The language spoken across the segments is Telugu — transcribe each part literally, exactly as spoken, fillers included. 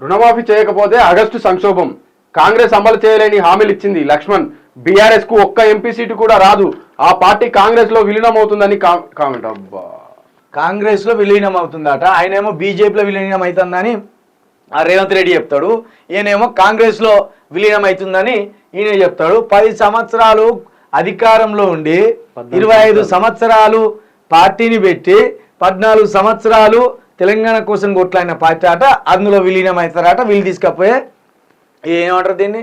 రుణమాఫీ చేయకపోతే ఆగస్టు సంక్షోభం, కాంగ్రెస్ అమలు చేయలేని హామీలు ఇచ్చింది లక్ష్మణ్. బీఆర్ఎస్ కు ఒక్క ఎంపీ సీటు కూడా రాదు, ఆ పార్టీ కాంగ్రెస్ లో విలీనం అవుతుందని కామెంట్. అబ్బా, కాంగ్రెస్ లో విలీనం అవుతుందట, ఆయనేమో బీజేపీలో విలీనం అవుతుందని ఆ రేవంత్ రెడ్డి చెప్తాడు, ఈయనేమో కాంగ్రెస్ లో విలీనం అవుతుందని ఈయన చెప్తాడు. పది సంవత్సరాలు అధికారంలో ఉండి ఇరవై ఐదు సంవత్సరాలు పార్టీని పెట్టి పద్నాలుగు సంవత్సరాలు తెలంగాణ కోసం కొట్లాడిన పార్టీ అట, అందులో విలీనం అవుతారట. వీళ్ళు తీసుకపోయి ఏమంటారు దీన్ని,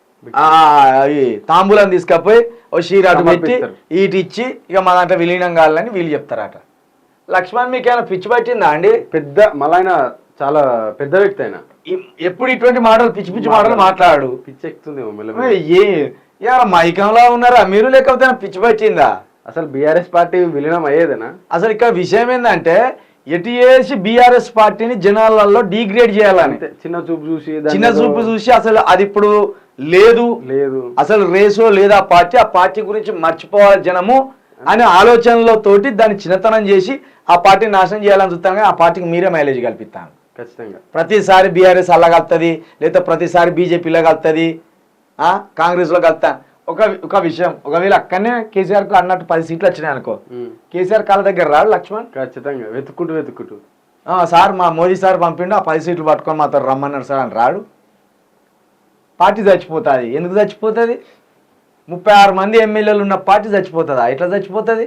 తాంబూలం తీసుకపోయి ఓ షీరాటు పెట్టి ఈటి ఇచ్చి ఇక మా దాంట్లో విలీనం కావాలని వీళ్ళు చెప్తారట. లక్ష్మణ్ మీకు ఏమైనా పిచ్చి పట్టిందా అండి? పెద్ద మళ్ళీ చాలా పెద్ద వ్యక్తి అయినా ఎప్పుడు ఇటువంటి మాటలు పిచ్చి పిచ్చి మాటలు మాట్లాడు, పిచ్చి ఎక్కుతుంది. ఏ మైకంలో ఉన్నారా మీరు, లేకపోతే పిచ్చి పట్టిందా? అసలు బీఆర్ఎస్ పార్టీ విలీనం అయ్యేదేనా? అసలు ఇక్కడ విషయం ఏంటంటే ఎటు చేసి బీఆర్ఎస్ పార్టీని జనాలలో డిగ్రేడ్ చేయాలని చిన్న చూపు చూసి చిన్న చూపు చూసి అసలు అది ఇప్పుడు లేదు లేదు అసలు రేసో లేదా పార్టీ, ఆ పార్టీ గురించి మర్చిపోవాలి జనము అనే ఆలోచనలో తోటి దాన్ని చిన్నతనం చేసి ఆ పార్టీని నాశనం చేయాలని చూస్తాను. కానీ ఆ పార్టీకి మీరే మైలేజ్ కల్పిస్తాను ఖచ్చితంగా. ప్రతిసారి బీఆర్ఎస్ అలా కలుతుంది, లేదా ప్రతిసారి బీజేపీలో కలుతుంది, కాంగ్రెస్లో కలుతా. ఒక ఒక విషయం, ఒకవేళ అక్కడనే కేసీఆర్ కు అన్నట్టు పది సీట్లు వచ్చినాయి అనుకో, కేసీఆర్ కాళ్ళ దగ్గర రాడు లక్ష్మణ్, ఖచ్చితంగా వెతుక్కుంటూ వెతుక్కుంటూ సార్ మా మోదీ సార్ పంపిండు ఆ పది సీట్లు పట్టుకొని మాతో రమ్మన్నారు సార్ అని రాడు. పార్టీ చచ్చిపోతుంది. ఎందుకు చచ్చిపోతుంది? ముప్పై ఆరు మంది ఎమ్మెల్యేలు ఉన్న పార్టీ చచ్చిపోతుందా? ఎట్లా చచ్చిపోతుంది?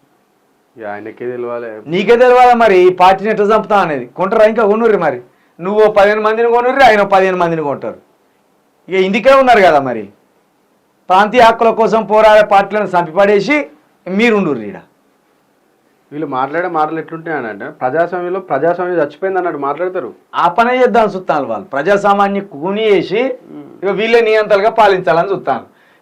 ఆయనకే తెలియాలి, నీకే తెలియాలి. మరి ఈ పార్టీని ఎట్లా చంపుతా అనేది కొంటారా? ఇంకా కొనుర్రి, మరి నువ్వు పదిహేను మందిని కొనుర్రి, ఆయన పదిహేను మందిని కొంటారు. ఇక ఇందుకే ఉన్నారు కదా మరి, ప్రాంతీయ హక్కుల కోసం పోరాడే పార్టీలను చంపిపడేసి మీరుండుర్రి. ఈడ వీళ్ళు మాట్లాడే మాటలు ఎట్లుంటాయనంటే ప్రజాస్వామ్యంలో ప్రజాస్వామ్యం చచ్చిపోయింది అన్నట్టు మాట్లాడతారు. ఆ పనే చేద్దామని చూస్తాను వాళ్ళు, ప్రజాసామాన్య కూని చేసి ఇక వీళ్ళే నియంత్రణగా పాలించాలని చూస్తాను.